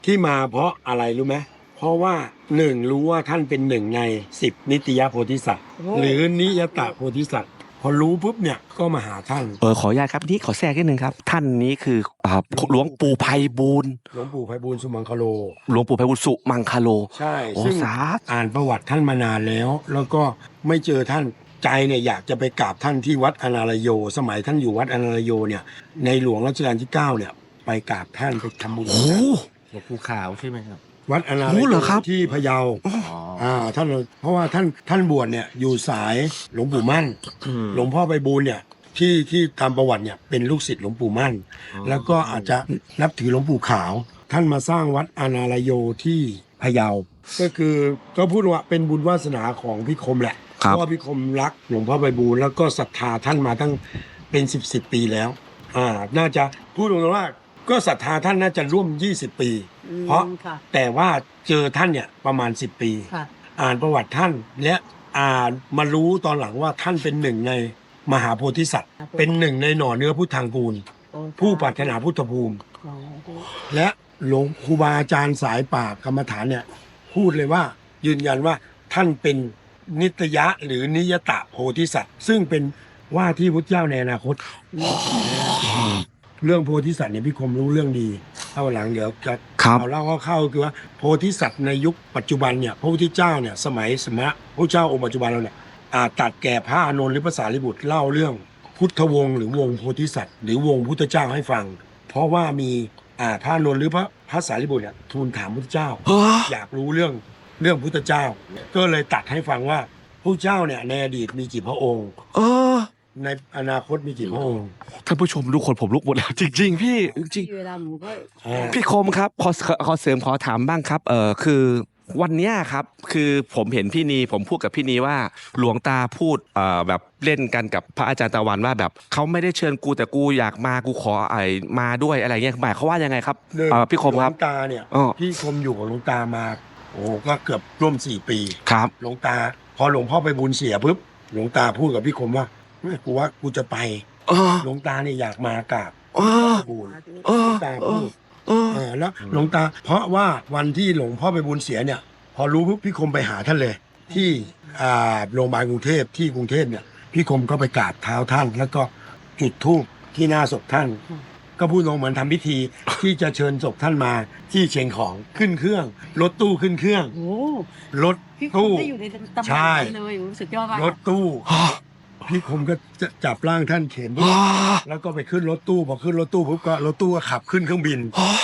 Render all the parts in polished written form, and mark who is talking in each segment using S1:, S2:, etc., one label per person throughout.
S1: ที่มาเพราะอะไรรู้ไหมเพราะว่ารู้ว่าท่านเป็นหนึ่งใน10นิตยโพธิสัตว์หรือนิยตโพธิสัตว์พอรู้ปุ๊บเนี่ยก็มาหาท่าน
S2: ขออนุญาตครับนี่ขอแทรกนิดนึงครับท่านนี้คือหลวงปู่ไพบูลย์
S1: หลวงปู่ไพบูลย์สุมังคโล
S2: หลวงปู่ไพบูลย์สุมังคโล
S1: ใช่ซึ่งอ่านประวัติท่านมานานแล้วก็ไม่เจอท่านใจเนี่ยอยากจะไปกราบท่านที่วัดอนาลโยสมัยท่านอยู่วัดอนาลโยเนี่ยในหลวงรัชกาลที่9เนี่ยไปกราบท่านไปทำบุญ
S3: หลวงปู่ขาวใช่ไหมครับ
S1: วัดอนาลโยที่พะเยาท่านเพราะว่าท่านบวชเนี่ยอยู่สายหลวงปู่มั่นหลวงพ่อไพบูลย์เนี่ยที่ตามประวัติเนี่ยเป็นลูกศิษย์หลวงปู่มั่นแล้วก็อาจจะนับถือหลวงปู่ขาวท่านมาสร้างวัดอนาลโยที่พะเยาก็คือก็พูดว่าเป็นบุญวาสนาของพี่คมแหละเพราะว่าพี่คมรักหลวงพ่อไพบูลย์แล้วก็ศรัทธาท่านมาตั้งเป็น10ปีแล้วน่าจะพูดตรงๆว่าก็ศรัทธาท่านน่าจะร่วม20ปีเพราะแต่ว่าเจอท่านเนี่ยประมาณ10ปีอ่านประวัติท่านและมารู้ตอนหลังว่าท่านเป็นหนึ่งในมหาโพธิสัตว์เป็นหนึ่งในหน่อเนื้อพุทธังกูลผู้ปรารถนาพุทธภูมิและหลวงครูบาอาจารย์สายป่ากรรมฐานเนี่ยพูดเลยว่ายืนยันว่าท่านเป็นนิตยะหรือนิยตโพธิสัตว์ซึ่งเป็นว่าที่พุทธเจ้าในอนาคตเรื่องโพธิสัตว์เนี่ยพี่คมรู้เรื่องดีเอาหลังเดี๋ยวจะเอาเล่าเข้าๆคือว่าโพธิสัตว์ในยุคปัจจุบันเนี่ยพระพุทธเจ้าเนี่ยสมัยสมณะพระเจ้าองค์ปัจจุบันเราเนี่ยตัดแก่พระอานนท์หรือพระสารีบุตรเล่าเรื่องพุทธวงศ์หรือวงโพธิสัตว์หรือวงพุทธเจ้าให้ฟังเพราะว่ามีพระอานนท์หรือพระสารีบุตรเนี่ยทูลถามพุทธเจ้าอยากรู้เรื่องพุทธเจ้าก็เลยตัดให้ฟังว่าพระเจ้าเนี่ยในอดีตมีกี่พระองค์ในอนาคตมีกี่พระองค์
S2: ท่านผู้ชมทุกคนผมลุกหมดแล้วจริงๆพี่จริงพี่คมครับขอเสริมขอถามบ้างครับคือวันนี้ครับคือผมเห็นพี่นีผมพูดกับพี่นีว่าหลวงตาพูดแบบเล่นกันกับพระอาจารย์ตะวันว่าแบบเขาไม่ได้เชิญกูแต่กูอยากมากูขอมาด้วยอะไรเงี้ยหมายเขาว่ายังไงครับพี่คมครับ
S1: หลวงตาเนี่ยพี่คมอยู่กับหลวงตามาโอ้ก็เกือบร่วม4ปี
S2: ครับ
S1: หลวงตาพอหลวงพ่อไพบูลย์เสียปุ๊บหลวงตาพูดกับพี่คมว่ากูว่ากูจะไปหลวงตาเนี่ยอยากมากราบบูลย์หลวงตาพูดแล้วหลวงตาเพราะว่าวันที่หลวงพ่อไพบูลย์เสียเนี่ยพอรู้ปุ๊บพี่คมไปหาท่านเลยที่โรงพยาบาลกรุงเทพที่กรุงเทพเนี่ยพี่คมก็ไปกราบเท้าท่านแล้วก็จุดธูปที่หน้าศพท่านก็พูดลงเหมือนทำพิธีที่จะเชิญศพท่านมาที่เชียงของขึ้นเครื่องรถตู้ขึ้นเครื่องรถตู้ใช่รถตู้พี่คมก็จะจับร่างท่านเข็นแล้วก็ไปขึ้นรถตู้พอขึ้นรถตู้ปุ๊บก็รถตู้ก็ขับขึ้นเครื่องบิน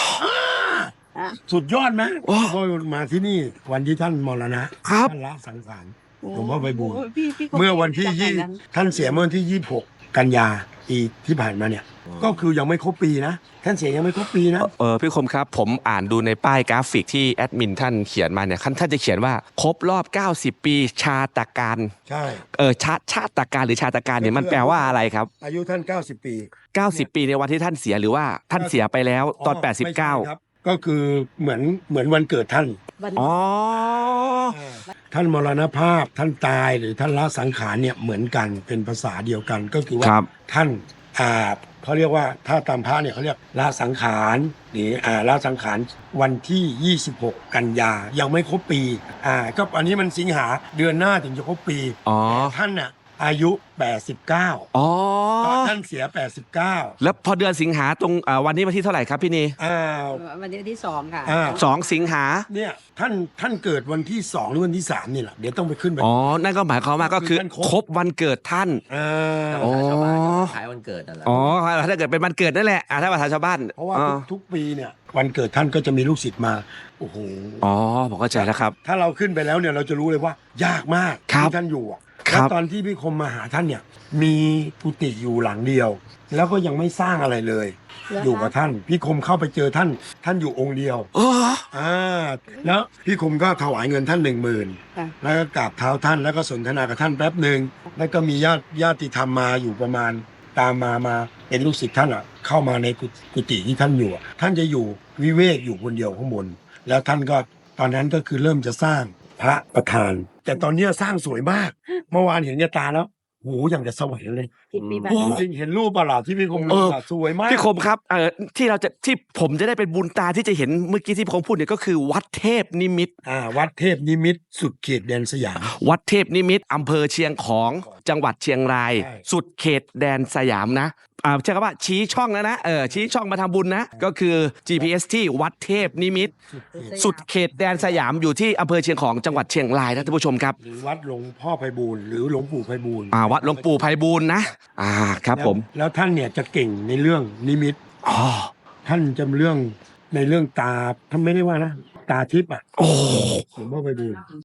S1: สุดยอดไหมพอมาที่นี่วันที่ท่านมรณะท่านละสังขารหลวงพ่อไพบูลย์เมื่อวันที่ท่านเสียเมื่อวันที่26กันยาปีที่ผ่านมาเนี่ยก็คือยังไม่ครบปีนะท่านเสียยังไม่ครบปีนะ
S2: พี่คมครับผมอ่านดูในป้ายกราฟิกที่แอดมินท่านเขียนมาเนี่ยท่านจะเขียนว่าครบรอบ90ปีชาตการ
S1: ใช่
S2: ชาตการหรือชาตการเนี่ยมันแปลว่าอะไรครับ
S1: อายุท่าน90ปี
S2: 90ปีในวันที่ท่านเสียหรือว่าท่านเสียไปแล้วตอน89
S1: ครับก็คือเหมือนวันเกิดท่านท่านมรณภาพท่านตายหรือท่านละสังขารเนี่ยเหมือนกันเป็นภาษาเดียวกันก็คือว่าท่านเขาเรียกว่าถ้าตามพระเนี่ยเขาเรียกละสังขารหรือละสังขารวันที่26กันยายังไม่ครบปีก็อันนี้มันสิงหาเดือนหน้าถึงจะครบปีท่านน่ะอายุ89ท่านเสีย89
S2: แล้วพอเดือนสิงหาตรงวันนี้วันที่เท่าไหร่ครับพี่นี
S4: วันที่2ค่ะ
S2: 2สิงหา
S1: เนี่ยท่านเกิดวันที่2หรือวันที่3นี่แหละเดี๋ยวต้องไปขึ้นไป
S2: นั่นก็หมายความว่าก็คือครบวันเกิดท่าน
S3: ชาวบ้านขายวันเกิดนั่นแหละ
S2: ถ้าเกิดเป็นวันเกิดนั่นแหละถ้าภาษาชาวบ้าน
S1: เพราะว่าทุกปีเนี่ยวันเกิดท่านก็จะมีลูกศิษย์มาโอ้โห
S2: ผมเข้าใจแล้วครับ
S1: ถ้าเราขึ้นไปแล้วเนี่ยเราจะรู้เลยว่ายากมากที่ท่านอยู่แล้วตอนที่พี่คมมาหาท่านเนี่ยมีกุฏิอยู่หลังเดียวแล้วก็ยังไม่สร้างอะไรเลยอยู่กับท่านพี่คมเข้าไปเจอท่านอยู่องค์เดียวแล้วพี่คมก็ถวายเงินท่าน10,000แล้วก็กราบเท้าท่านแล้วก็สนทนากับท่านแป๊บหนึ่งแล้วก็มีญาติธรรมมาอยู่ประมาณตามมาเป็นลูกศิษย์ท่านเข้ามาในกุฏิที่ท่านอยู่ท่านจะอยู่วิเวกอยู่คนเดียวข้างบนแล้วท่านก็ตอนนั้นก็คือเริ่มจะสร้างพระประธานแต่ตอนนี้สร้างสวยมากเมื่อวานเห็นกับตาแล้วโหอย่างจะสวรรค์เลย
S4: ที่ปีบ้า
S1: โอ้จริงเห็นรูปเปล่าที่พี่คมลงอะสวยมาก
S2: พี่คมครับที่ผมจะได้เป็นบุญตาที่จะเห็นเมื่อกี้ที่พี่คมพูดเนี่ยก็คือวัดเทพนิมิตร
S1: วัดเทพนิมิตรสุดเขตแดนสยาม
S2: วัดเทพนิมิตรอำเภอเชียงของจังหวัดเชียงราย
S1: ใช่
S2: สุดเขตแดนสยามนะใช่ครับว่าชี้ช่องแล้วนะชี้ช่องมาทำบุญนะ ก็คือ GPS ที่วัดเทพนิมิตรสุดเขตแดนสยามอยู่ที่อำเภอเชียงของจังหวัดเชียงรายนะท่านผู้ชมครับ
S1: หรือวัดหลวงพ่อไพบูลย์หรือหลวงปู่ไพบูลย์
S2: วัดหลวงปู่ไพบูลย์นะครับผม
S1: แล้วท่านเนี่ยจะเก่งในเรื่องนิมิต
S2: อ๋อ
S1: ท่านจะในเรื่องตาท่านไม่ได้ว่านะตาทิพย์อ่ะ
S2: โอ้
S1: หลวงพ่อไพบูลย์